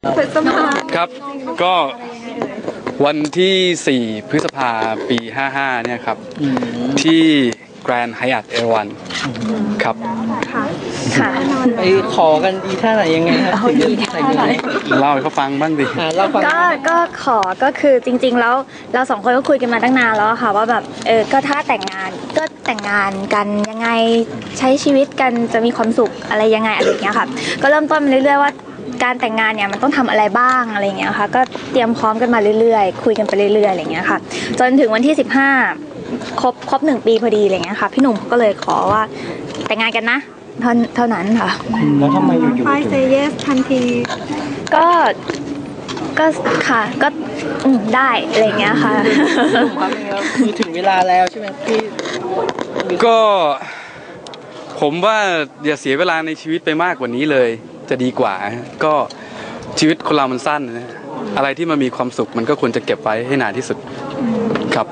ครับก็วันที่4 พฤษภาปี 55เนี่ยครับที่แกรนด์ไฮแอทเอราวัณครับค่ะไปขอกันดีท่าไหนยังไงครับดีท่าไหนเล่าให้เขาฟังบ้างดิก็ขอก็คือจริงๆแล้วเราสองคนก็คุยกันมาตั้งนานแล้วค่ะว่าแบบก็ถ้าแต่งงานก็แต่งงานกันยังไงใช้ชีวิตกันจะมีความสุขอะไรยังไงอะไรอย่างเงี้ยค่ะก็เริ่มต้นมาเรื่อยๆว่าการแต่งงานเนี่ยมันต้องทำอะไรบ้างอะไรอย่างเงี้ยค่ะก็เตรียมพร้อมกันมาเรื่อยๆคุยกันไปเรื่อยๆอะไรอย่างเงี้ยค่ะจนถึงวันที่15ครบ1 ปีพอดีอะไรเงี้ยค่ะพี่หนุ่มก็เลยขอว่าแต่งงานกันนะเท่านั้นค่ะแล้วทำไมอยู่ๆไปเซเยสทันทีก็ค่ะก็ได้อะไรเงี้ยค่ะคือถึงเวลาแล้วใช่ไหมพี่ก็ผมว่าอย่าเสียเวลาในชีวิตไปมากกว่านี้เลยจะดีกว่าก็ชีวิตคนเรามันสั้นนะอะไรที่มันมีความสุขมันก็ควรจะเก็บไว้ให้นานที่สุดครับ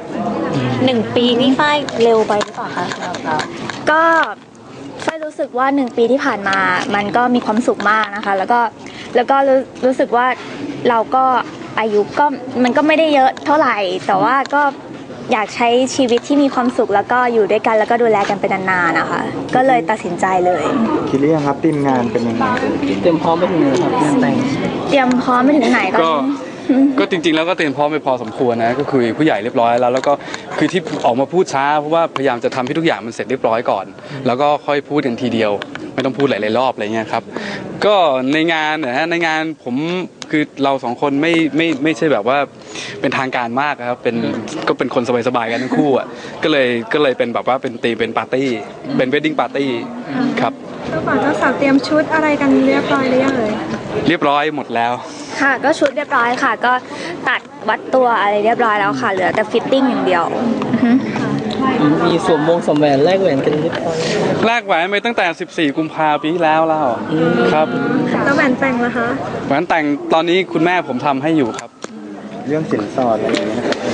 1 ปีนี่ฝ้ายเร็วไปหรือเปล่าคะก็ฝ้ายรู้สึกว่า1 ปีที่ผ่านมามันก็มีความสุขมากนะคะแล้วก็รู้สึกว่าเราก็อายุก็มันก็ไม่ได้เยอะเท่าไหร่แต่ว่าก็อยากใช้ชีวิตที่มีความสุขแล้วก็อยู่ด้วยกันแล้วก็ดูแลกันไปนานๆนะคะก็เลยตัดสินใจเลยคิดหรือยังครับทีมงานเป็นยังไงเตรียมพร้อมไปถึงไหนครับงานแต่งเตรียมพร้อมไปถึงไหนก็จริงๆแล้วก็เตรียมพร้อมไปพอสมควรนะก็คือผู้ใหญ่เรียบร้อยแล้วก็คือที่ออกมาพูดช้าเพราะว่าพยายามจะทำให้ทุกอย่างมันเสร็จเรียบร้อยก่อนแล้วก็ค่อยพูดกันทีเดียวไม่ต้องพูดหลายๆรอบอะไรเงี้ยครับก็ในงานนะฮะในงานผมคือเรา2 คนไม่ใช่แบบว่าเป็นทางการมากครับก็เป็นคนสบายๆกันทั้งคู่อ่ะก็เลยเป็นแบบว่าเป็นตีเป็นปาร์ตี้เป็นเวดดิ้งปาร์ตี้ครับเจ้าบ่าวเจ้าสาวเตรียมชุดอะไรกันเรียบร้อยหรือยังเรียบร้อยหมดแล้วค่ะก็ชุดเรียบร้อยค่ะก็ตัดวัดตัวอะไรเรียบร้อยแล้วค่ะเหลือแต่ฟิตติ้งอย่างเดียวมีสวมแหวนแลกแหวนกันเรียบร้อยแลกแหวนไปตั้งแต่14 กุมภาพันธ์ปีที่แล้วครับแล้วแหวนแต่งล่ะคะแหวนแต่งตอนนี้คุณแม่ผมทำให้อยู่ครับเรื่องสินสอดอะไรอย่างเงี้ยนะครับ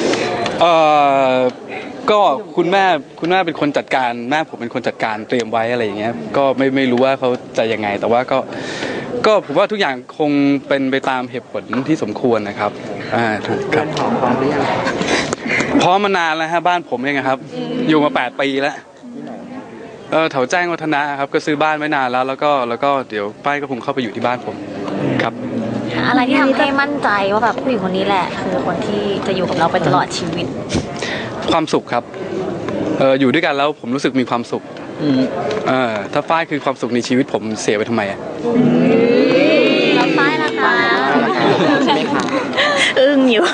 ก็คุณแม่เป็นคนจัดการแม่ผมเป็นคนจัดการเตรียมไว้อะไรอย่างเงี้ยก็ไม่รู้ว่าเขาจะยังไงแต่ว่าก็ผมว่าทุกอย่างคงเป็นไปตามเหตุผลที่สมควรนะครับถูกครับพร้อมหรือยังพร้อมมานานแล้วฮะบ้านผมเองครับอยู่มา8 ปีแล้วแถวแจ้งวัฒนะครับก็ซื้อบ้านไว้นานแล้วก็เดี๋ยวป้ายก็คงเข้าไปอยู่ที่บ้านผมครับอะไรที่ทำให้มั่นใจว่าแบบผู้หญิงคนนี้แหละคือคนที่จะอยู่กับเราไปตลอดชีวิตความสุขครับอยู่ด้วยกันแล้วผมรู้สึกมีความสุขถ้าฝ้ายคือความสุขในชีวิตผมเสียไปทำไมแล้วฝ้ายล่ะคะอึ้งอยู่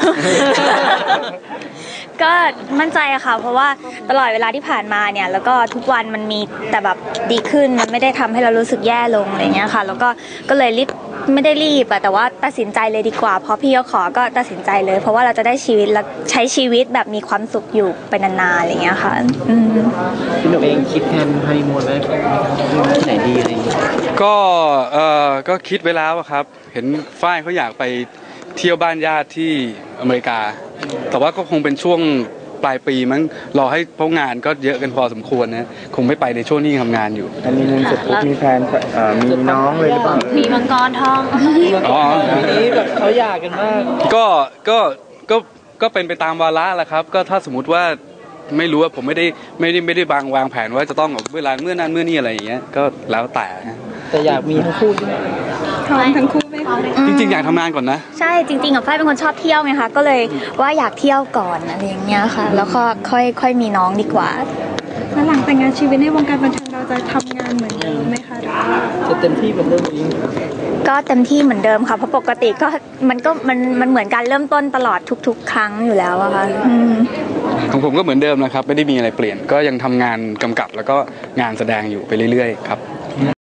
ก็มั่นใจอะค่ะเพราะว่าตลอดเวลาที่ผ่านมาเนี่ยแล้วก็ทุกวันมันมีแต่แบบดีขึ้นมันไม่ได้ทำให้เรารู้สึกแย่ลงอะไรเงี้ยค่ะแล้วก็เลยไม่ได้รีบอะแต่ว่าตัดสินใจเลยดีกว่าเพราะพี่เขาขอก็ตัดสินใจเลยเพราะว่าเราจะได้ชีวิตและใช้ชีวิตแบบมีความสุขอยู่ไปนานๆอะไรเงี้ยค่ะพี่หนุ่มเองคิดแทนฮันนีมูนไว้ที่ไหนดีอะไรก็คิดไว้แล้วครับเห็นฝ้ายเขาอยากไปเที่ยวบ้านญาติที่อเมริกาแต่ว่าก็คงเป็นช่วงปลายปีมั้งรอให้เพราะงานก็เยอะกันพอสมควรนะคงไม่ไปในช่วงที่ทำงานอยู่มีเงินเสร็จปุ๊บมีแฟนมีน้องเลยหรือเปล่ามีมังกรทองนี้แบบเขาอยากกันมากก็เป็นไปตามวาระแหละครับก็ถ้าสมมติว่าไม่รู้ว่าผมไม่ได้วางแผนว่าจะต้องเวลาเมื่อนั้นเมื่อนี้อะไรอย่างเงี้ยก็แล้วแต่อยากมีทั้งคู่ใช่ไหมพร้อมทั้งคู่ไหมจริงๆอยากทำงานก่อนนะใช่จริงๆกับฝ้ายเป็นคนชอบเที่ยวไงคะก็เลยว่าอยากเที่ยวก่อนอะไรอย่างเงี้ยค่ะแล้วก็ค่อยมีน้องดีกว่าแล้วหลังแต่งงานชีวิตในวงการบันเทิงเราจะทำงานเหมือนเดิมไหมคะจะเต็มที่เหมือนเดิมก็เต็มที่เหมือนเดิมค่ะเพราะปกติก็มันเหมือนการเริ่มต้นตลอดทุกๆครั้งอยู่แล้วอะค่ะของผมก็เหมือนเดิมนะครับไม่ได้มีอะไรเปลี่ยนก็ยังทำงานกำกับแล้วก็งานแสดงอยู่ไปเรื่อยๆครับ